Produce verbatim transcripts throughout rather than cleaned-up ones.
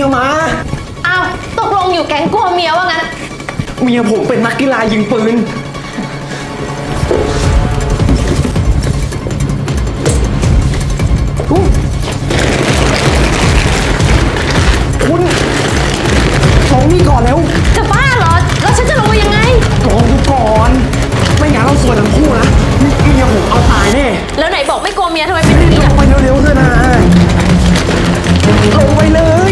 ยมาอ้าวตกลงอยู่แก๊งกลัวเมียว่างั้นเมียผมเป็นนักกีฬายิงปืนคุณลงนี่ก่อนแล้วจะบ้าเหรอแล้วฉันจะลงไปยังไงลงดูก่อนไม่งั้นเราสวยทั้งคู่นะเมียผมเอาตายแน่แล้วไหนบอกไม่กลัวเมียทำไมเป็นอย่างนี้ลงไปเร็วๆเถอะนะลงไปเลย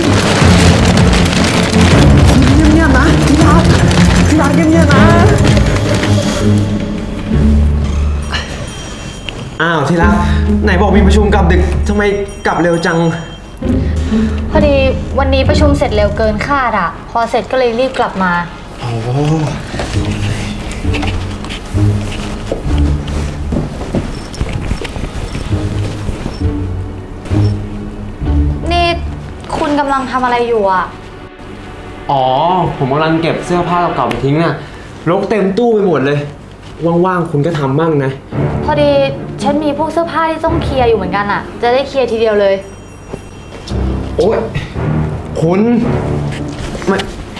เงียบๆนะที่รักที่รักเงียบๆนะอ้าวที่รักไหนบอกมีประชุมกลับดึกทำไมกลับเร็วจังพอดีวันนี้ประชุมเสร็จเร็วเกินคาดอ่ะพอเสร็จก็เลยรีบกลับมาโอ้นี่คุณกำลังทำอะไรอยู่อ่ะอ๋อผมกำลังเก็บเสื้อผ้าเก่าๆไปทิ้งน่ะรกเต็มตู้ไปหมดเลยว่างๆคุณก็ทำบ้างนะพอดีฉันมีพวกเสื้อผ้าที่ต้องเคลียร์อยู่เหมือนกันอ่ะจะได้เคลียร์ทีเดียวเลยโอ้ยคุณไม่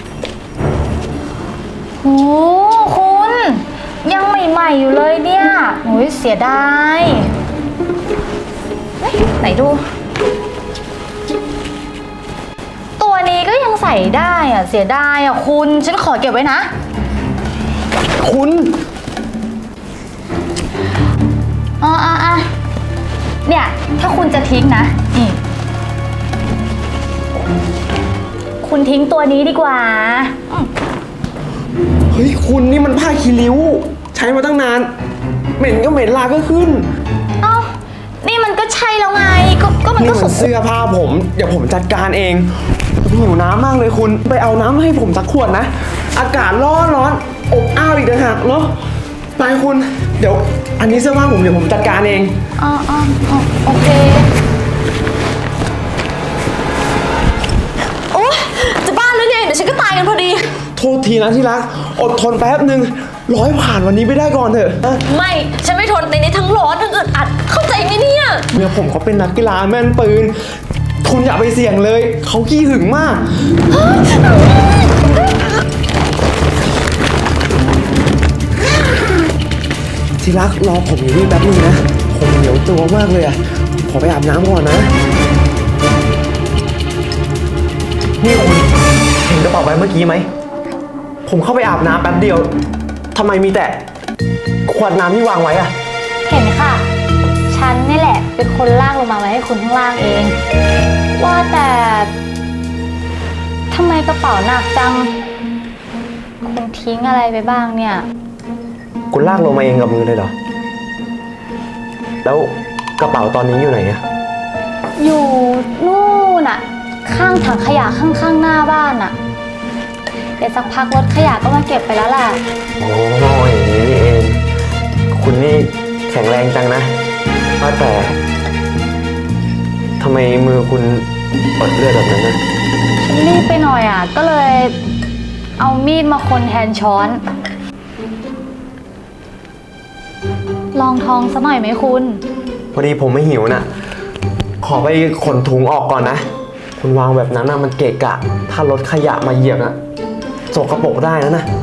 โอ้คุณยังใหม่ๆอยู่เลยเนี่ยโอ้ยเสียดายไหนดูตัวนี้ก็ยังใส่ได้อ่ะเสียดายอ่ะคุณฉันขอเก็บไว้นะคุณอ๋ออ่ะเนี่ยถ้าคุณจะทิ้งนะนี่คุณทิ้งตัวนี้ดีกว่าเฮ้ยคุณนี่มันผ้าคีริ้วใช้มาตั้งนานเหม็นก็เหม็นลาก็ขึ้นเอ้านี่มันก็ใช่แล้วไงก็ก็มันก็เสื้อผ้าผมเดี๋ยวผมจัดการเองหิวน้ำมากเลยคุณไปเอาน้ำให้ผมสักขวดนะอากาศร้อนร้อนอบอ้าวอีกต่างหากเนาะไปคุณเดี๋ยวอันนี้เสื้อผ้าผมเดี๋ยวผมจัดการเองอ๋ออ๋อโอเคโอ้จะบ้าหรือไงเดี๋ยวฉันก็ตายกันพอดีโทษทีนะที่รักอดทนแป๊บนึงร้อยผ่านวันนี้ไปได้ก่อนเถอะไม่ฉันไม่ทนในนี้ทั้งร้อนทั้งอึดอัดเข้าใจไหมเนี่ยเมียผมเขาเป็นนักกีฬาแม่นปืนคุณอย่าไปเสี่ยงเลยเขาขี้หึงมากที่รักรอผมอยู่นี่แป๊บนึงนะผมเหนียวตัวมากเลยอ่ะขอไปอาบน้ำก่อนนะนี่คุณเห็นกระเป๋าใบเมื่อกี้ไหมผมเข้าไปอาบน้ำแป๊บเดียวทำไมมีแต่ขวดน้ำที่วางไว้อะเห็นค่ะฉันนี่แหละเป็นคนลากลงมาไว้ให้คุณข้างล่างเองว่าแต่ทำไมกระเป๋าหนักจังคุณทิ้งอะไรไปบ้างเนี่ยคุณลากลงมาเองกับมือเลยเหรอแล้วกระเป๋าตอนนี้อยู่ไหนอะอยู่นู่นอะข้างถังขยะข้างๆหน้าบ้านอะเดี๋ยวสักพักรถขยะก็มาเก็บไปแล้วแหละโอ้ยอย่างนี้นี่เองคุณนี่แข็งแรงจังนะว่าแต่ทำไมมือคุณอดเลือดแบบนั้นนะฉันรีบไปหน่อยอะก็เลยเอามีดมาคนแทนช้อนลองท้องซะหน่อยไหมคุณพอดีผมไม่หิวนะขอไปขนถุงออกก่อนนะคุณวางแบบนั้นนะมันเกะกะถ้ารถขยะมาเหยียบนะสกปรกได้นะนะ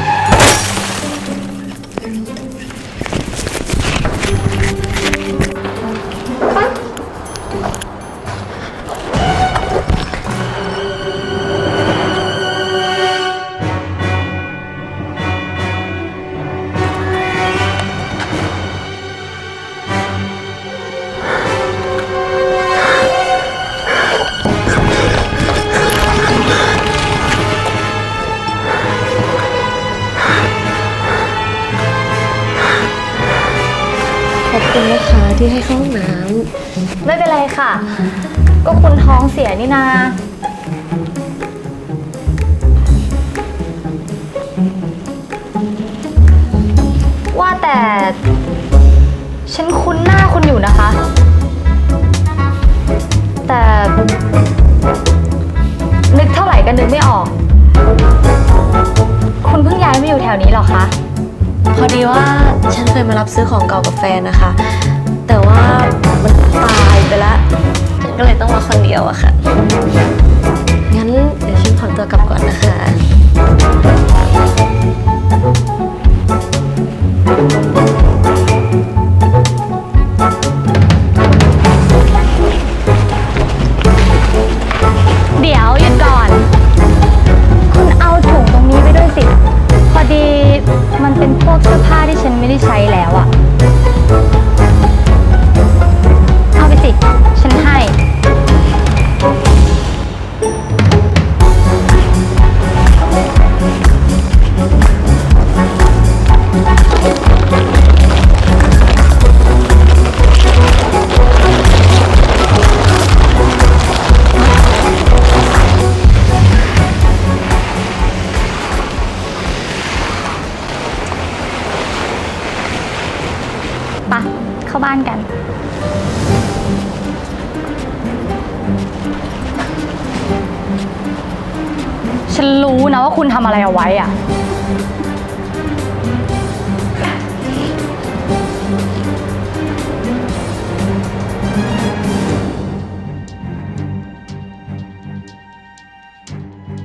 ขอบคุณนะคะที่ให้เข้าห้องน้ำไม่เป็นไรค่ะก็คุณท้องเสียนี่นาว่าแต่ฉันคุ้นหน้าคุณอยู่นะคะแต่นึกเท่าไหร่ก็นึกไม่ออกคุณเพิ่งย้ายมาอยู่แถวนี้หรอคะพอดีว่าฉันเคยมารับซื้อของเก่ากับแฟนนะคะแต่ว่ามันตายไปแล้วฉันก็เลยต้องมาคนเดียวอะค่ะงั้นไปะเข้าบ้านกัน ฉันรู้นะว่าคุณทำอะไรเอาไว้อะ